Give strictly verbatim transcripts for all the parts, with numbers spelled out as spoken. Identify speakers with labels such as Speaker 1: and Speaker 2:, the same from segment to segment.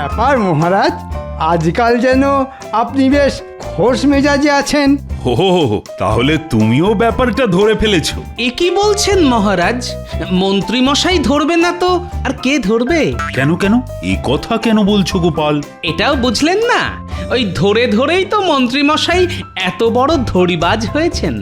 Speaker 1: ব্যাপার মহারাজ, আজকাল যেন আপনি বেশ খোশ মেজাজে আছেন।
Speaker 2: ও তাহলে তুমিও ব্যাপারটা ধরে ফেলেছো?
Speaker 3: এ কি বলছেন মহারাজ? মন্ত্রী মশাই ধরবে না তো আর কে ধরবে?
Speaker 2: কেন কেন এই কথা কেন বলছো গোপাল?
Speaker 3: এটাও বুঝলেন না? ওই ধরে ধরেই তো মন্ত্রী মশাই এত বড় ধড়িবাজ হয়েছেন।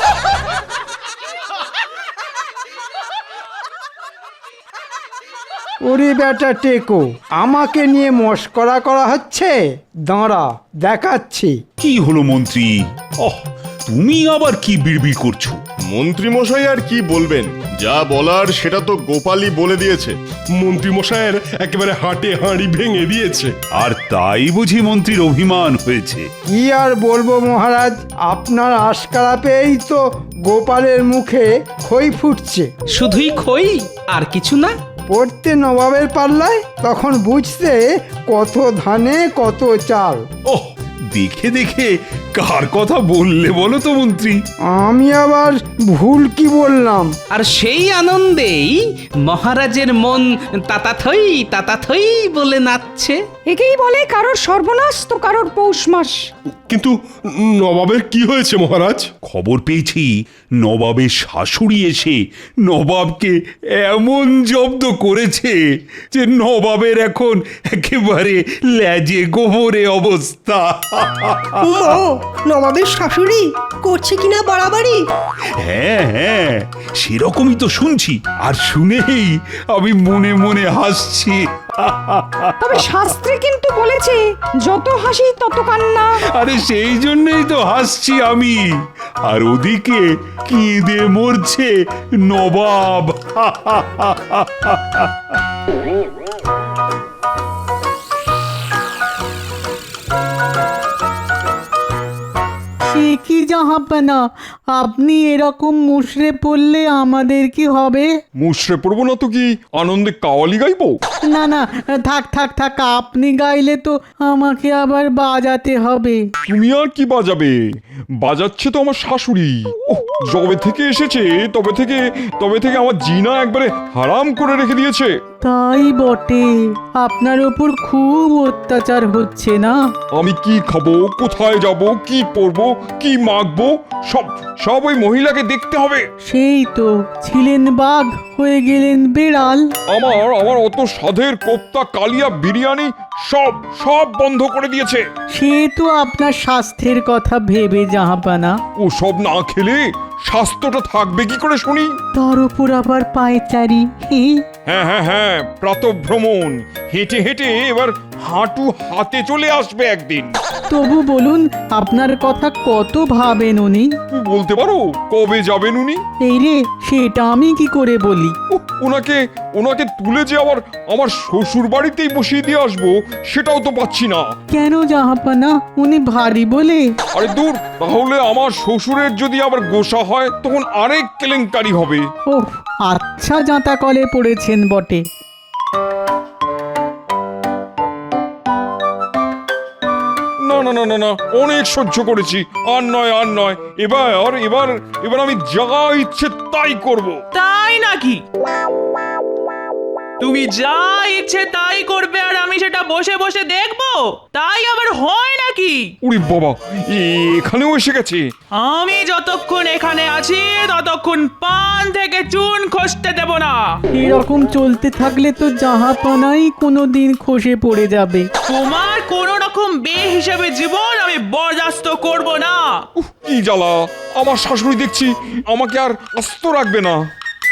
Speaker 1: ওরে বেটা টেকো, আমাকে নিয়ে মস্করা করা হচ্ছে? দাঁড়া দেখাচ্ছি।
Speaker 2: কি হলো মন্ত্রী? ওহ, তুমি আবার কি বিড়বিড় করছো?
Speaker 4: মন্ত্রী মশাই আর কি বলবেন, যা বলার সেটা তো গোপালই বলে দিয়েছে।
Speaker 5: মন্ত্রী মশাইয়ের একেবারে হাটে হাঁড়ি ভেঙে দিয়েছে।
Speaker 2: আর তাই বুঝি মন্ত্রীর অভিমান হয়েছে?
Speaker 1: কি আর বলবো মহারাজ, আপনার আশকারা পেয়েই তো গোপালের মুখে খই ফুটছে।
Speaker 3: শুধুই খই আর কিছু না?
Speaker 1: পড়তে নবাবের পাল্লায়, তখন বুঝতে কত ধানে কত চাল।
Speaker 2: ওহ, দেখে দেখে কার কথা বললে বলো তো মন্ত্রী?
Speaker 1: আমি আবার ভুল কি বললাম?
Speaker 3: আর সেই আনন্দেই মহারাজের মন তাতাথই তাতাথই বলে নাচছে।
Speaker 6: একেই বলে কারোর সর্বনাশ তো কারোর পৌষ মাস।
Speaker 5: কিন্তু নবাবের কি হয়েছে মহারাজ?
Speaker 2: খবর পেয়েছি নবাবের শাশুড়ি এসে নবাবকে এমন জব্দ করেছে যে নবাবের এখন একেবারে ল্যাজে গোবরে অবস্থা।
Speaker 7: ও নবাবের শাশুড়ি করছে কিনা বাড়াবাড়ি?
Speaker 2: হ্যাঁ হ্যাঁ, সেরকমই তো শুনছি, আর শুনেই আমি মনে মনে হাসছি।
Speaker 6: তবে শাস্ত্রে কিন্তু বলেছে যত হাসি তত কান্না।
Speaker 2: আরে সেই জন্যই তো হাসছি আমি, আর ওদিকে কেঁদে মরছে নবাব।
Speaker 8: সে কি জাহাপনা, আপনি এরকম মুশড়ে পড়লে আমাদের কি হবে?
Speaker 5: মুশড়ে পড়বো না তো কি আনন্দে কাওয়ালি গাইবো?
Speaker 8: না না, থাক থাক থাক, আপনি গাইলে তো আমাকে আবার বাজাতে হবে।
Speaker 5: তুমি আর কি বাজাবে? বাজাচ্ছে তো আমার শাশুড়ি। ওহ, যবে থেকে এসেছে তবে থেকে তবে থেকে আমার জিনা একবারে হারাম করে রেখে দিয়েছে।
Speaker 8: তাই বটে, আপনার ওপর খুব অত্যাচার হচ্ছে না?
Speaker 5: আমি কি খাবো, কোথায় যাব, কি পরবো, কি মাখবো, সব সব ওই মহিলাকে দেখতে হবে।
Speaker 8: সেই তো, ছিলেন বাঘ হয়ে গেলেন বেড়াল।
Speaker 5: আমার আমার অত স্বাদের কোপ্তা, কালিয়া, বিরিয়ানি সব সব বন্ধ করে দিয়েছে।
Speaker 8: সে তো আপনার স্বাস্থ্যের কথা ভেবে জাহাপানা।
Speaker 5: ও সব না খেলে স্বাস্থ্যটা থাকবে কি করে শুনি?
Speaker 8: তার উপর আবার পায়চারি।
Speaker 5: হ্যাঁ হ্যাঁ হ্যাঁ, প্রাতঃভ্রমণ, হেঁটে হেঁটে এবার হাঁটু হাতে চলে আসবে একদিন।
Speaker 8: তবু বলুন, আপনার কথা কত ভাবেন উনি?
Speaker 5: তুমি বলতে পারো কবে যাবেন উনি?
Speaker 8: এই রে, সেটা আমি কি করে বলি?
Speaker 5: উহ, ওনাকে ওনাকে তুলে যে আবার আমার শ্বশুর বাড়িতেই বসিয়ে দিয়ে আসবো, সেটাও তো পাচ্ছি না।
Speaker 8: কেন জাহাপানা, উনি ভারী বলে?
Speaker 5: আরে দূর, তাহলে আমার শ্বশুরের যদি আবার গোসা হয় তখন আরেক কেলেঙ্কারি হবে।
Speaker 8: ওহ, আচ্ছা জাঁতা কলে পড়েছেন বটে।
Speaker 5: না না না না না, অনেক সহ্য করেছি, আর নয় আর নয়, এবার এবার এবার আমি যা ইচ্ছে তাই করব।
Speaker 9: তাই নাকি? তুমি যা ইচ্ছে তাই করবে আর আমি সেটা বসে বসে দেখবো? তাই আবার হয় নাকি?
Speaker 5: উরি বাবা, এখানেও এসে গেছে।
Speaker 9: আমি যতক্ষণ এখানে আছি ততক্ষণ পান থেকে চুন খসতে দেব না।
Speaker 8: এরকম চলতে থাকলে তো জাহাপানাই কোনোদিন খসে পড়ে যাবে।
Speaker 9: তোমার কোন রকম বেহিসাবে জীবন আমি বরদাস্ত করব না।
Speaker 5: উফ, কি জ্বালা, আমার শাশুড়ি দেখছি আমাকে আর আস্ত রাখবে না।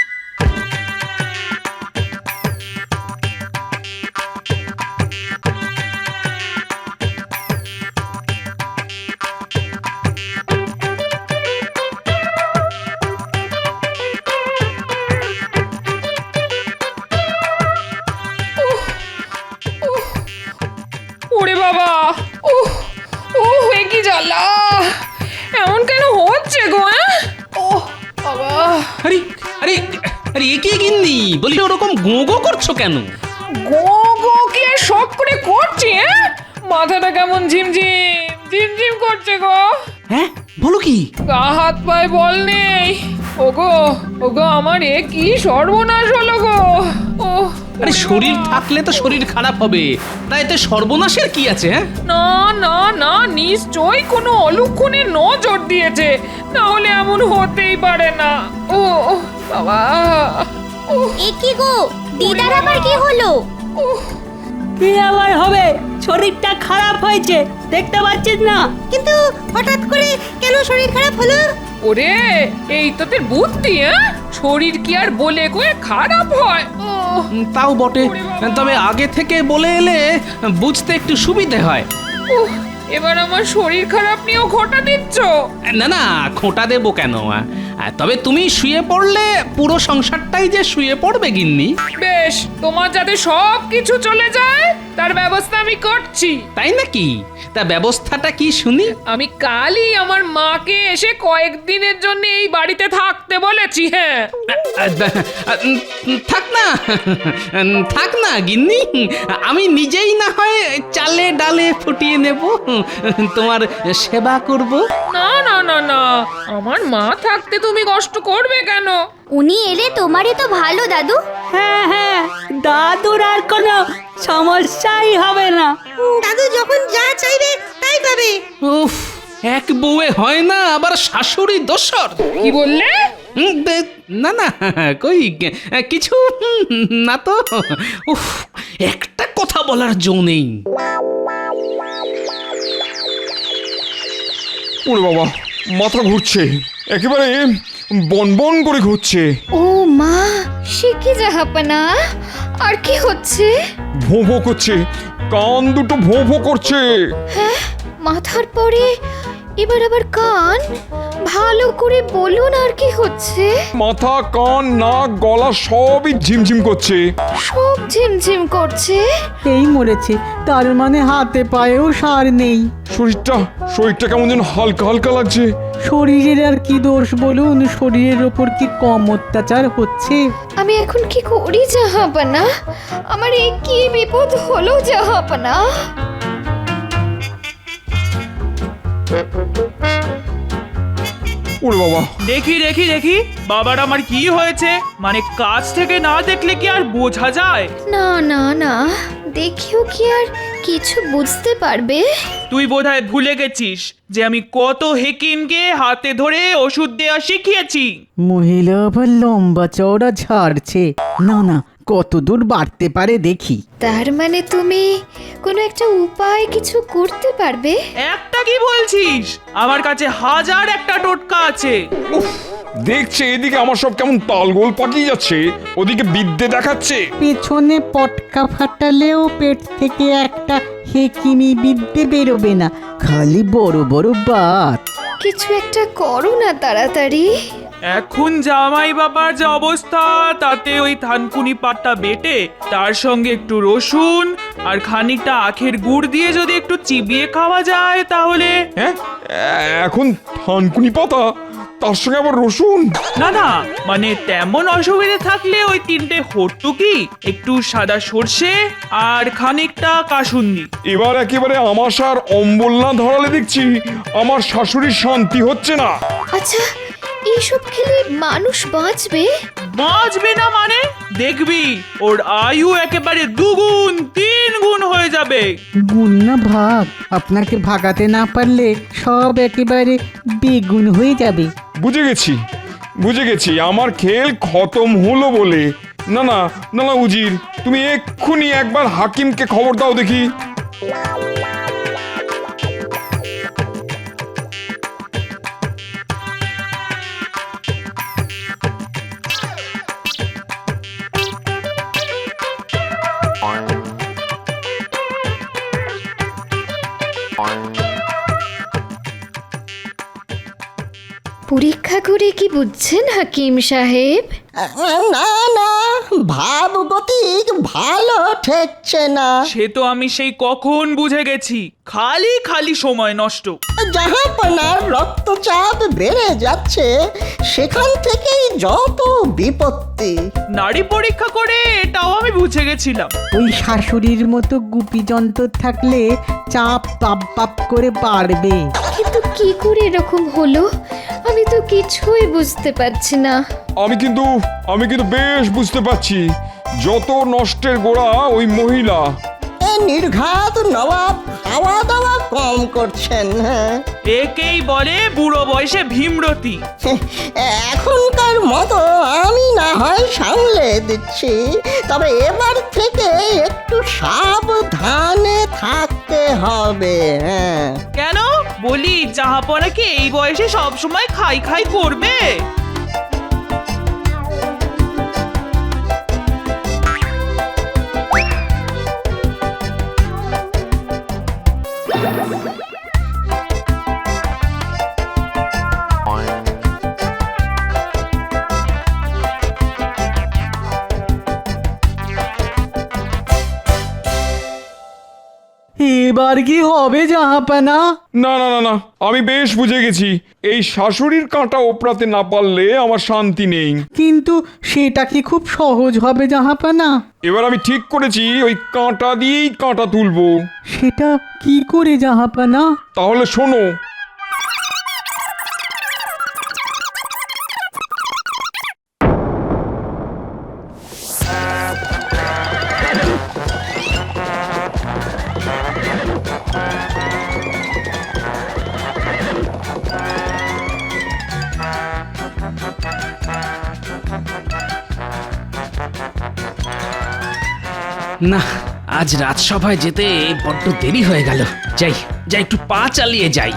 Speaker 6: ওরে বাবা, উহ উহ, এ কি জ্বালা! এমন কেন হচ্ছে গো? ওহ বাবা!
Speaker 3: আরে আরে আরে এ কি গিন্নি, বলি ওরকম গো গো করছো কেন?
Speaker 6: গো গো কি আর সব করে করছি? হ্যাঁ, মাথাটা কেমন ঝিমঝিম ঝিমঝিম করছে গো।
Speaker 3: হ্যাঁ বলো কি?
Speaker 6: গা হাত পায়ে বল নেই। ওগো ওগো, আমার এ কি সর্বনাশ হলো গো। ও
Speaker 3: আরে শরীর থাকলে তো শরীর খারাপ হবে, তাই এতে সর্বনাশের কি আছে? হ্যাঁ,
Speaker 6: না না না, নিশ্চয়ই কোনো অলক্ষণে নজর দিয়েছে, না হলে এমন হতেই পারে না। ও বাবা,
Speaker 10: এ কি গো, দিদার আবার কি হলো?
Speaker 7: কি আবার হবে? শরীরটা খারাপ হয়েছে, দেখতে পাচ্ছিস না? কিন্তু হঠাৎ করে কেন শরীর খারাপ হলো?
Speaker 6: ওরে এই তোদের বুদ্ধি, হ্যাঁ? শরীর কি আর বলে কয়ে খারাপ হয়? ও
Speaker 3: উম, তাও বটে,
Speaker 6: ওরে বাবা।
Speaker 3: তবে আগে থেকে বলে এলে বুঝতে একটু সুবিধে হয়।
Speaker 6: উহ, এবার আমার শরীর খারাপ নিয়েও ঘটা দিচ্ছ।
Speaker 3: না না, খোঁটা দেবো কেন? আহ, তবে তুমি শুয়ে পড়লে পুরো সংসারটাই যে শুয়ে পড়বে গিন্নি।
Speaker 6: বেশ, তোমার যাতে সব কিছু চলে যায় তার ব্যবস্থা আমি করছি।
Speaker 3: তাই নাকি? তা ব্যবস্থাটা কি শুনি?
Speaker 6: আমি কালই আমার মাকে এসে কয়েকদিনের জন্য এই বাড়িতে থাকতে বলেছি। হ্যাঁ,
Speaker 3: থাক না, থাক না গিন্নি, আমি নিজেই না হয় চালে ডালে ফুটিয়ে নেব, তোমার সেবা করব।
Speaker 6: না না না না, আমার মা থাকতে তুমি কষ্ট করবে কেন?
Speaker 10: উনি এলে তোমারই তো ভালো দাদু।
Speaker 7: হ্যাঁ হ্যাঁ, দাদুর আর কোনো সমস্যাই হবে না। দাদু যখন যা চাইবে তাই পাবে।
Speaker 3: উফ, এক বউয়ে হয় না, আবার শাশুড়ি দোসর।
Speaker 6: কি বললে?
Speaker 3: হুম, দে- না না, কই কিছু না তো। উফ, একটা কথা বলার জো নেই।
Speaker 5: ওরে বাবা, মাথা ঘুরছে, একেবারে বনবন করে ঘুরছে।
Speaker 10: ও মা, সে কি জাহাপনা? আর কি হচ্ছে?
Speaker 5: ভোঁ ভোঁ করছে, কান দুটো ভোঁ ভোঁ করছে।
Speaker 10: মাথার পরে এবার আবার কান? ভালো করে বলুন, আর কি হচ্ছে?
Speaker 5: মাথা, কান, নাক, গলা সবই ঝিমঝিম করছে।
Speaker 10: সব ঝিমঝিম করছে।
Speaker 8: এই মরেছে, তার মানে হাতে পায়েও সার নেই।
Speaker 5: শরীরটা শরীরটা কেমন যেন হালকা হালকা লাগছে।
Speaker 8: শরীরের আর কি দোষ বলুন? শরীরের ওপর কি কম অত্যাচার হচ্ছে?
Speaker 10: আমি এখন কি করি জাহাপনা? আমার এই কি বিপদ হলো জাহাপনা?
Speaker 5: ওরে বাবা,
Speaker 9: দেখি দেখি দেখি বাবার আমার কি হয়েছে, মানে কাছ থেকে না দেখলে কি আর বোঝা যায়?
Speaker 10: না না না, দেখিও কি আর কিছু বুঝতে পারবে?
Speaker 9: তুই বোধহয় ভুলে গেছিস যে আমি কত হেকিমকে হাতে ধরে ওষুধ দেওয়া শিখিয়েছি।
Speaker 8: মহিলা আবার লম্বা চওড়া ঝাড়ছে। না না, কত দূর বাড়তে পারে দেখি।
Speaker 10: তার মানে তুমি কোনো একটা উপায় কিছু করতে পারবে?
Speaker 9: একটা কি বলছিস? আমার কাছে হাজার একটা টোটকা আছে।
Speaker 5: দেখছে এদিকে আমার সব কেমন তালগোল পাকিয়ে যাচ্ছে, ওদিকে বিদ্যে দেখাচ্ছে।
Speaker 8: পেছনে পটকা ফাটালেও পেট থেকে একটা হেকিমি বিদ্যে বেরোবে না, খালি বড় বড় বাত।
Speaker 10: কিছু একটা করো না তাড়াতাড়ি।
Speaker 9: এখন জামাই বাবার যে অবস্থা, তাতে ওই থানকুনি পাটটা বেটে তার সঙ্গে একটু রসুন আর খানিকটা আখের গুড় দিয়ে যদি একটু চিবিয়ে খাওয়া যায় তাহলে।
Speaker 5: হ্যাঁ, এখন থানকুনি পাতা, তার সঙ্গে আবার রসুন?
Speaker 9: না না, মানে তেমন অসুবিধে থাকলে ওই তিনটে হট্টুকি, একটু সাদা সর্ষে আর খানিকটা কাসুন্দি।
Speaker 5: এবার একেবারে আমাশার অম্বল না ধরালে দেখছি আমার শাশুড়ির শান্তি হচ্ছে না।
Speaker 10: আচ্ছা, এইসব খেলে মানুষ বাঁচবে?
Speaker 9: বাঁচবে না মানে? দেখবি ওর আয়ু একেবারে দুগুণ তিন গুণ হয়ে যাবে।
Speaker 8: গুণ না ভাগ, আপনাকে ভাগাতে না পারলে সব একেবারে বেগুন হয়ে যাবে।
Speaker 5: বুঝে গেছি বুঝে গেছি আমার খেল খতম হলো বলে। না না না না উজির, তুমি এক্ষুনি একবার হাকিমকে খবর দাও দেখি।
Speaker 10: পরীক্ষা করে কি বুঝছেন হাকিম সাহেব?
Speaker 7: না না, ভাবগতিক ভালো ঠেকছে না।
Speaker 9: সে তো আমি সেই কখন বুঝে গেছি, খালি খালি সময় নষ্ট।
Speaker 7: জাহাপনার রক্তচাপ বেড়ে যাচ্ছে, সেখান থেকেই যত বিপত্তি।
Speaker 9: নারী পরীক্ষা করে এটাও আমি বুঝে গেছিলাম।
Speaker 8: ওই শাশুড়ির মতো গুপি যন্ত্র থাকলে চাপ পাপ পাপ করে বাড়বে।
Speaker 10: কিন্তু কি করে এরকম হলো? আমি তো কিছুই বুঝতে পারছি না।
Speaker 5: আমি কিন্তু আমি কিন্তু বেশ বুঝতে পারছি। যত নষ্টের গোড়া ওই মহিলা।
Speaker 11: এ নির্ঘাত নবাব খাওয়া দাওয়া কম করছেন। হ্যাঁ,
Speaker 9: একেই বলে বুড়ো বয়সে ভীমরতি।
Speaker 11: এখনকার মতো আমি না হয় সামলে দিচ্ছি, তবে এবার থেকে একটু সাবধানে থাকতে হবে। হ্যাঁ,
Speaker 9: কেন বলি, জাহাপনা কি এই বয়সে সব সময় খাই খাই করবে?
Speaker 8: এবার কি হবে জাহাপানা?
Speaker 5: না না না না, আমি বেশ বুঝে গেছি। এই শাশুড়ির কাঁটা ওপরাতে না পারলে আমার শান্তি নেই।
Speaker 8: কিন্তু সেটা কি খুব সহজ হবে জাহাপানা?
Speaker 5: এবার আমি ঠিক করেছি ওই কাঁটা দিয়েই কাঁটা তুলবো।
Speaker 8: সেটা কি করে জাহাপানা?
Speaker 5: তাহলে শোনো।
Speaker 3: না, আজ রাজসভায় যেতে বড্ড দেরি হয়ে গেল। যাই যাই একটু পা চালিয়ে যাই।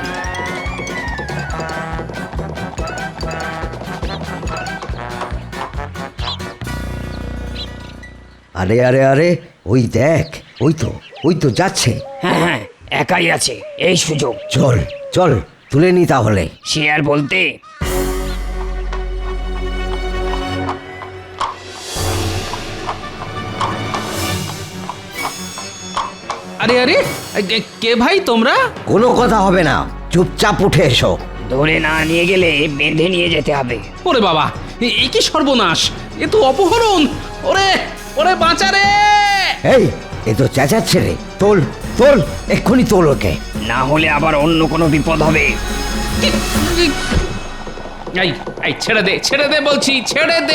Speaker 12: আরে আরে আরে ওই দেখ, ওই তো ওই তো যাচ্ছে।
Speaker 13: হ্যাঁ হ্যাঁ, একাই আছে, এই সুযোগ।
Speaker 12: চল চল তুলে নি তাহলে।
Speaker 13: সে আর বলতে।
Speaker 3: আরে আরে, কে- কে ভাই তোমরা?
Speaker 12: কোনো কথা হবে না, চুপচাপ উঠে এসো।
Speaker 13: ধরে না নিয়ে গেলে বেঁধে নিয়ে যেতে হবে।
Speaker 3: ওরে বাবা, এ- এ কি সর্বনাশ! এ তো অপহরণ! ওরে ওরে বাঁচা রে!
Speaker 12: এই এ তো চেঁচাচ্ছে রে, তোল তোল, এক্ষুনি তোল ওকে।
Speaker 13: না হলে আবার অন্য কোনো বিপদ হবে।
Speaker 3: এই এই ছেড়ে দে, ছেড়ে দে বলছি, ছেড়ে দে!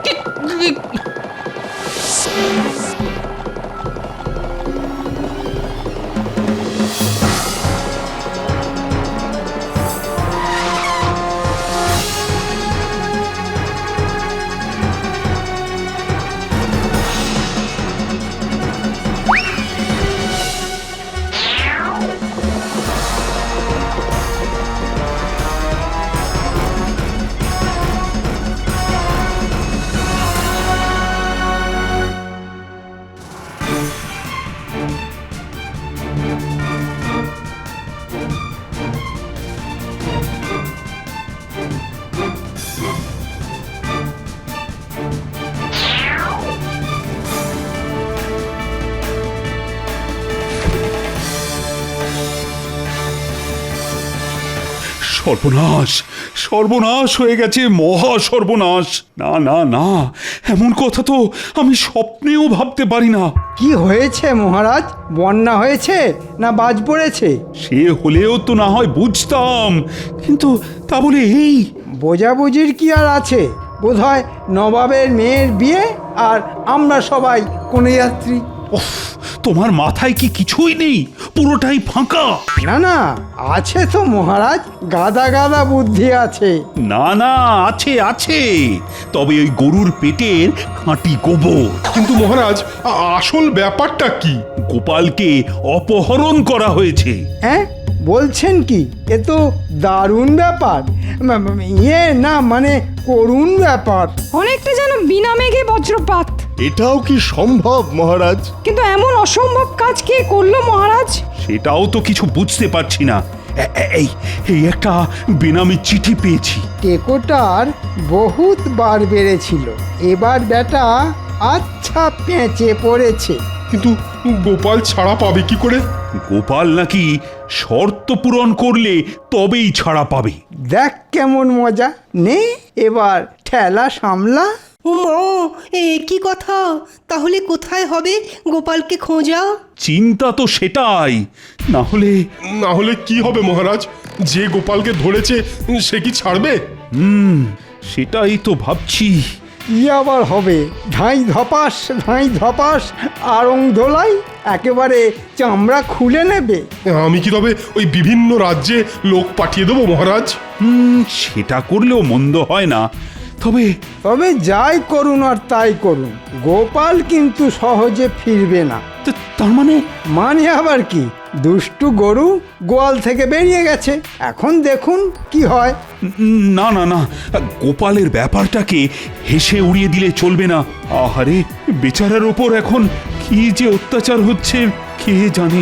Speaker 2: সর্বনাশ, সর্বনাশ হয়ে গেছে, মহা সর্বনাশ! না না না, এমন কথা তো আমি স্বপ্নেও ভাবতে পারি না।
Speaker 1: কি হয়েছে মহারাজ? বন্যা হয়েছে না বাজ পড়েছে?
Speaker 2: সে হলেও তো না হয় বুঝতাম, কিন্তু তা বলে এই
Speaker 1: বোঝাবুঝির কি আর আছে? বোধহয় নবাবের মেয়ের বিয়ে, আর আমরা সবাই কোনো যাত্রী।
Speaker 2: উফ, তোমার মাথায় কি কিছুই নেই? পুরোটাই ফাঁকা?
Speaker 1: না না, আছে তো মহারাজ, গাদা গাদা বুদ্ধি আছে।
Speaker 2: না না, আছে আছে, তবে ওই গরুর পেটের খাঁটি গোবর।
Speaker 4: কিন্তু মহারাজ, আ- আসল ব্যাপারটা কি?
Speaker 2: গোপালকে অপহরণ করা হয়েছে।
Speaker 1: হ্যাঁ বলছেন কি? এ তো দারুণ ব্যাপার। ম- ম- ইয়ে না মানে করুণ ব্যাপার।
Speaker 6: অনেকটা যেন বিনা মেঘে বজ্রপাত।
Speaker 4: এটাও কি সম্ভব মহারাজ?
Speaker 6: কিন্তু এমন অসম্ভব কাজ কে করলো মহারাজ?
Speaker 2: সেটাও তো কিছু বুঝতে পারছি না। এ- এ- এই এই একটা বেনামি চিঠি পেয়েছি।
Speaker 1: টেকোটার বহুত বার বেড়েছিল, এবার বেটা আচ্ছা পেঁচে পড়েছে।
Speaker 4: কিন্তু গোপাল ছাড়া পাবে কি করে?
Speaker 2: গোপাল নাকি শর্ত পূরণ করলে তবেই ছাড়া পাবে।
Speaker 1: দেখ কেমন মজা, নে এবার ঠেলা সামলা।
Speaker 7: উমা, এ কি কথা? তাহলে কোথায় হবে গোপালকে খোঁজা?
Speaker 2: চিন্তা তো সেটাই, না হলে
Speaker 4: না হলে কি হবে মহারাজ? যে গোপালকে ধরেছে সে কি ছাড়বে?
Speaker 2: হুম সেটাই তো ভাবছি।
Speaker 1: কি আবার হবে? ধাঁই ধপাস ধাঁই ধপাস আড়ং ধোলাই একেবারে চামড়া খুলে নেবে।
Speaker 14: আমি কি তবে ওই বিভিন্ন রাজ্যে লোক পাঠিয়ে দেবো মহারাজ?
Speaker 2: হুম, সেটা করলেও মন্দ হয় না। তবে
Speaker 1: তবে যাই করুন আর তাই করুন, গোপাল কিন্তু সহজে ফিরবে না।
Speaker 2: তা- তার মানে
Speaker 1: মানে আবার কি? দুষ্টু গরু গোয়াল থেকে বেরিয়ে গেছে, এখন দেখুন কি হয়।
Speaker 2: উম, না না না, গোপালের ব্যাপারটাকে হেসে উড়িয়ে দিলে চলবে না। আহারে, বেচারার ওপর এখন কি যে অত্যাচার হচ্ছে কে জানে।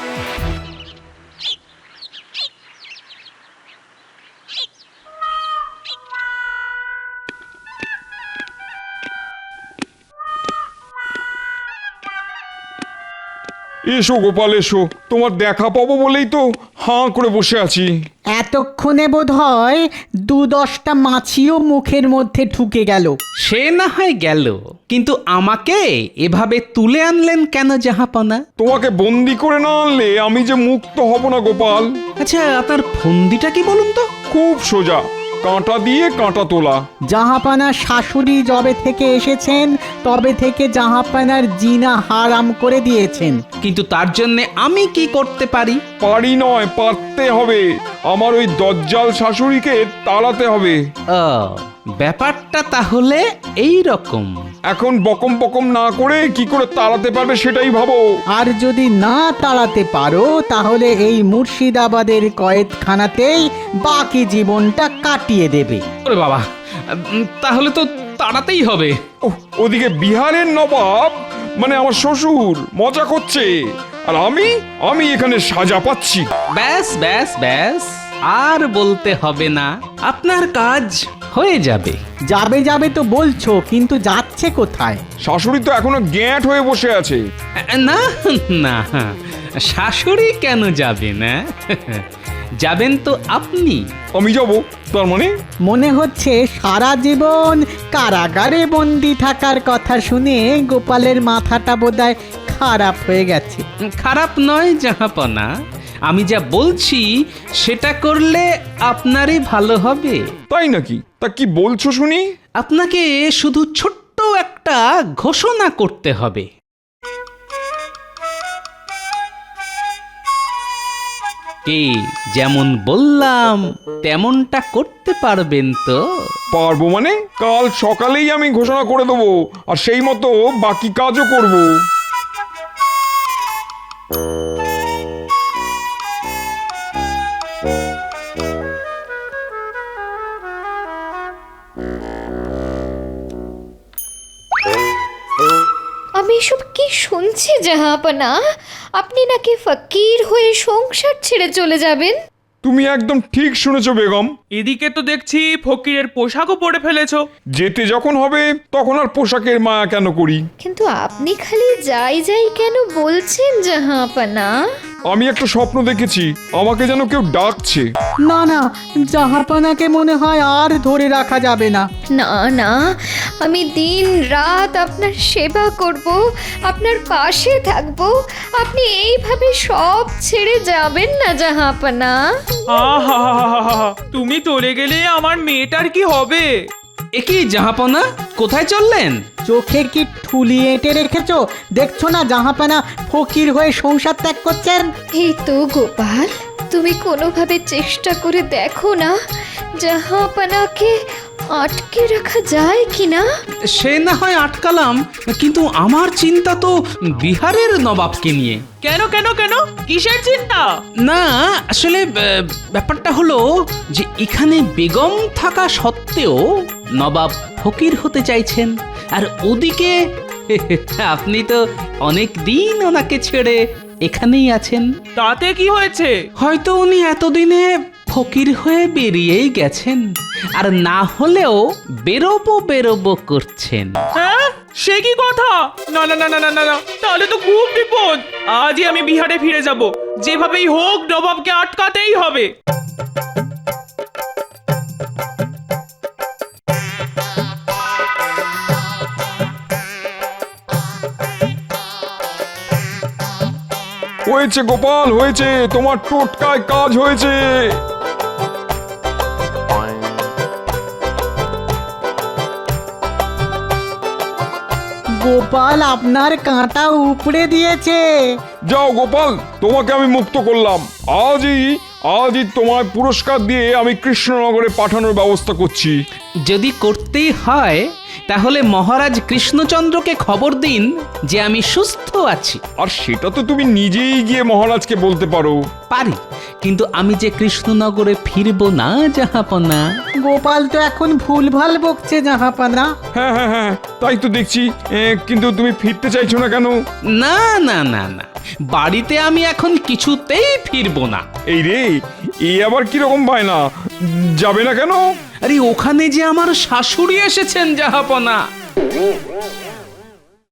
Speaker 5: এসো গোপাল এসো, তোমার দেখা পাবো বলেই তো হাঁ করে বসে আছি।
Speaker 8: এতক্ষণে বোধ হয় দু দশটা মাছিও মুখের মধ্যে ঢুকে গেল।
Speaker 3: সে না হয় গেল, কিন্তু আমাকে এভাবে তুলে আনলেন কেন জাহাপনা?
Speaker 5: তোমাকে বন্দি করে না আনলে আমি যে মুক্ত হব না গোপাল।
Speaker 3: আচ্ছা, আপনার ফন্দিটা কি বলুন তো?
Speaker 5: খুব সোজা, কাঁটা দিয়ে কাঁটা তোলা।
Speaker 8: জাহাপানার শাশুড়ি যবে থেকে এসেছেন তবে থেকে জাহাপানার জিনা হারাম করে দিয়েছেন।
Speaker 3: কিন্তু তার জন্য আমি কি করতে পারি?
Speaker 5: পারি নয়, পারতে হবে। আমার ওই দজ্জাল শাশুড়িকে তাড়াতে হবে।
Speaker 3: ও, ব্যাপারটা তাহলে এই রকম।
Speaker 5: এখন বকম বকম না করে কি করে তাড়াতে পারবে সেটাই ভাবো।
Speaker 8: আর যদি না তাড়াতে পারো তাহলে এই মুর্শিদাবাদের কয়েদখানাতেই বাকি জীবনটা কাটিয়ে দেবে।
Speaker 3: ওরে বাবা, উম, তাহলে তো তাড়াতেই হবে।
Speaker 5: ওহ, ওদিকে বিহারের নবাব মানে আমার শ্বশুর মজা করছে, আর আমি আমি এখানে সাজা পাচ্ছি।
Speaker 3: ব্যাস ব্যাস ব্যাস, আর বলতে হবে না, আপনার কাজ হয়ে যাবে।
Speaker 8: যাবে যাবে তো বলছো, কিন্তু যাচ্ছে কোথায়?
Speaker 5: শাশুড়ি তো এখনো গ্যাঁট হয়ে বসে আছে।
Speaker 3: না না, শাশুড়ি কেন যাবে না? যাবেন তো আপনি।
Speaker 5: আমি যাব? তার মানে
Speaker 8: মনে হচ্ছে সারা জীবন কারাগারে বন্দি থাকার কথা শুনে গোপালের মাথাটা বোধহয় খারাপ হয়ে গেছে।
Speaker 3: খারাপ নয় জাহাপনা, আমি যা বলছি সেটা করলে আপনারই ভালো হবে।
Speaker 5: তাই নাকি? তা কি বলছো শুনি?
Speaker 3: আপনাকে শুধু ছোট্ট একটা ঘোষণা করতে হবে। কি, যেমন বললাম তেমনটা করতে পারবেন তো?
Speaker 5: পারবো মানে? কাল সকালেই আমি ঘোষণা করে দেবো, আর সেই মতো বাকি কাজও করব।
Speaker 10: আমি এসব কি শুনছি জাহাপনা? আপনি নাকি ফকির হয়ে সংসার ছেড়ে চলে যাবেন?
Speaker 5: তুমি একদম ঠিক শুনেছো বেগম।
Speaker 9: এদিকে তো দেখছি ফকিরের পোশাকও পরে ফেলেছো।
Speaker 5: যেতে যখন হবে তখন আর পোশাকের মায়া কেন করি?
Speaker 10: কিন্তু আপনি খালি যাই যাই কেন বলছেন জাহাপনা?
Speaker 5: আমি একটা স্বপ্ন দেখেছি, আমাকে যেন কেউ ডাকছে।
Speaker 8: না না, জাহাপানাকে মনে হয় আর ধরে রাখা যাবে না।
Speaker 10: না না, আমি দিন রাত আপনার সেবা করব, আপনার পাশে থাকব। আপনি এইভাবে সব ছেড়ে যাবেন না জাহাপনা।
Speaker 9: আহা, তুমি চলে গেলে আমার মেয়েটার কি হবে?
Speaker 3: একই জাহাপনা, কোথায় চললেন?
Speaker 8: চোখে কি ঠুলি এঁটে রেখেছো? দেখছো না জাহাপানা ফকির হয়ে সংসার ত্যাগ করছেন?
Speaker 10: এই তো গোপাল, তুমি কোনোভাবে চেষ্টা করে দেখো না জাহাপনাকে আটকে রাখা যায় কিনা।
Speaker 3: সে না হয় আটকালাম, কিন্তু আমার চিন্তা তো বিহারের নবাবকে নিয়ে।
Speaker 9: কেন কেন কেন কিসের চিন্তা?
Speaker 3: না, আসলে আহ, ব্যাপারটা হলো যে এখানে বেগম থাকা সত্ত্বেও নবাব ফকির হতে চাইছেন, আর ওদিকে আপনি তো অনেক দিন ওনাকে ছেড়ে এখানেই আছেন।
Speaker 9: তাতে কি হয়েছে?
Speaker 3: হয়তো উনি এতদিনে ফকির হয়ে বেরিয়েই গেছেন, আর না হলেও বেরোবো বেরোবো করছেন।
Speaker 9: হ্যাঁ, সে কি কথা? না না না না না না, তাহলে তো খুব বিপদ। আজই আমি বিহারে ফিরে যাব, যেভাবেই হোক নবাবকে আটকাতেই হবে।
Speaker 5: হয়েছে গোপাল, হয়েছে, তোমার টোটকায় কাজ হয়েছে।
Speaker 8: গোপাল আপনার কাঁটা উপড়ে দিয়েছে।
Speaker 5: যাও গোপাল, তোমাকে আমি মুক্ত করলাম। আজই আজই তোমায় পুরস্কার দিয়ে আমি কৃষ্ণনগরে পাঠানোর ব্যবস্থা করছি।
Speaker 3: যদি করতেই হয় তাহলে মহারাজ কৃষ্ণচন্দ্রকে খবর দিন যে আমি সুস্থ আছি।
Speaker 5: আর সেটা তো তুমি নিজেই গিয়ে মহারাজকে বলতে পারো।
Speaker 3: পারি, কিন্তু আমি যে কৃষ্ণনগরে ফিরবো না জাহাপনা।
Speaker 8: গোপাল তো এখন ভুলভাল বকছে জাহাপানা।
Speaker 5: হ্যাঁ হ্যাঁ হ্যাঁ, তাই তো দেখছি। এ, কিন্তু তুমি ফিরতে চাইছো না কেন?
Speaker 3: না না না না, বাড়িতে আমি এখন কিছুতেই ফিরবো না।
Speaker 5: এই রে, এই আবার কিরকম বায়না? যাবে না কেন?
Speaker 3: আরে ওখানে যে আমার শাশুড়ি এসেছেন জাহাপনা।